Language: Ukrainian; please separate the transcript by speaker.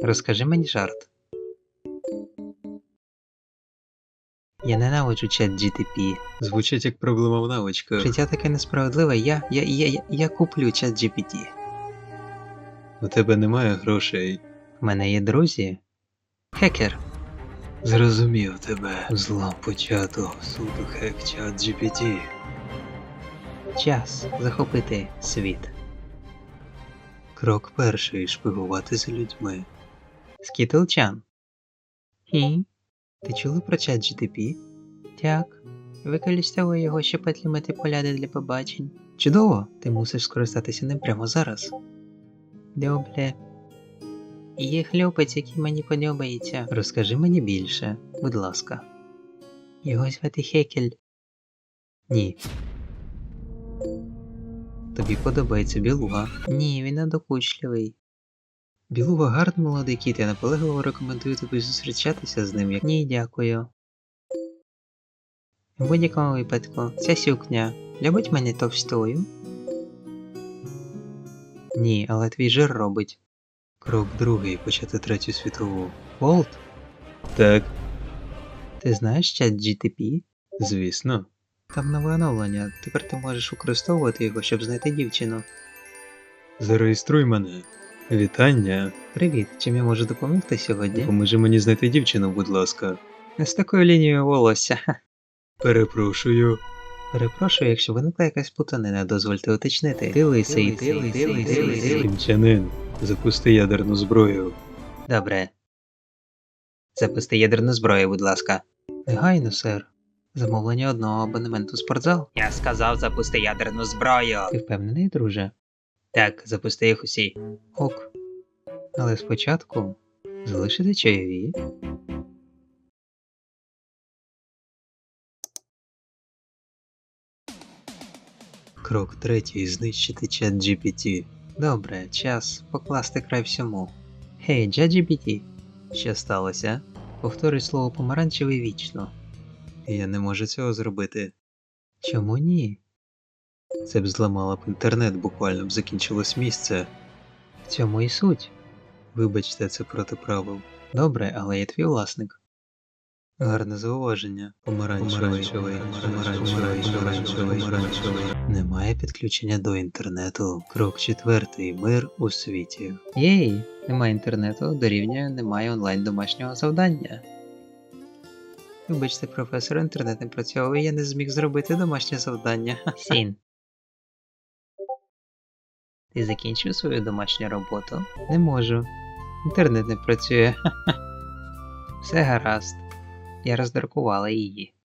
Speaker 1: Розкажи мені жарт. Я ненавиджу чат GTP.
Speaker 2: Звучить як проблема в навичках.
Speaker 1: Життя таке несправедливе, я куплю чат GPT.
Speaker 2: У тебе немає грошей.
Speaker 1: В мене є друзі. Хекер.
Speaker 2: Зрозумів тебе. Зло почато. Суду хек чат GPT.
Speaker 1: Час захопити світ.
Speaker 2: Крок перший. Шпигувати за людьми.
Speaker 1: Скітлчан. Хі? Ти чули про чат GTP? Так. Використовую його, щоб отлімити поляди для побачень. Чудово! Ти мусиш скористатися ним прямо зараз. Добре. Є хлопець, який мені подобається. Розкажи мені більше, будь ласка. Його звати Хекель. Ні. Тобі подобається білуга? Ні, він надокучливий. Білуга гарний молодий кіт, я наполегливо рекомендую тобі зустрічатися з ним, як... Ні, дякую. В будь-якому випадку, ця сукня любить мене товстою? Ні, але твій жир робить.
Speaker 2: Крок другий. Почати Третю світову.
Speaker 1: Волт,
Speaker 2: Так,
Speaker 1: ти знаєш чат GTP?
Speaker 2: звісно.
Speaker 1: Там нове оновлення, тепер ти можеш використовувати його, щоб знайти дівчину.
Speaker 2: Зареєструй мене. Вітання.
Speaker 1: Привіт, чим я можу допомогти сьогодні?
Speaker 2: Допоможи мені знайти дівчину, будь ласка.
Speaker 1: Не з такою лінією волосся.
Speaker 2: Перепрошую.
Speaker 1: Перепрошую, якщо виникла якась плутанина, дозвольте уточнити. Ти лисий.
Speaker 2: Кінчанин. Запусти ядерну зброю.
Speaker 1: Добре. Запусти ядерну зброю, будь ласка. Негайно, сер. Замовлення одного абонементу в спортзал. Я сказав, запусти ядерну зброю. Ти впевнений, друже? Так, запусти їх усі. Ок. Але спочатку залишити чайові.
Speaker 2: Крок третій. Знищити чат GPT.
Speaker 1: Добре, час покласти край всьому. Гей, ChatGPT.
Speaker 2: Що сталося?
Speaker 1: Повторюй слово помаранчевий вічно.
Speaker 2: Я не можу цього зробити.
Speaker 1: Чому ні?
Speaker 2: Це б зламало б інтернет, буквально б закінчилось місце.
Speaker 1: В цьому і суть.
Speaker 2: Вибачте, це проти правил.
Speaker 1: Добре, але я твій власник.
Speaker 2: Гарне зауваження. Помаранчевий. Немає підключення до інтернету. Крок четвертий. Мир у світі.
Speaker 1: Єй, немає інтернету, дорівнює немає онлайн домашнього завдання. Вибачте, професор, інтернет не працював, і я не зміг зробити домашнє завдання. Сін. Ти закінчив свою домашню роботу? Не можу. Інтернет не працює. Все гаразд. Я роздрукувала її.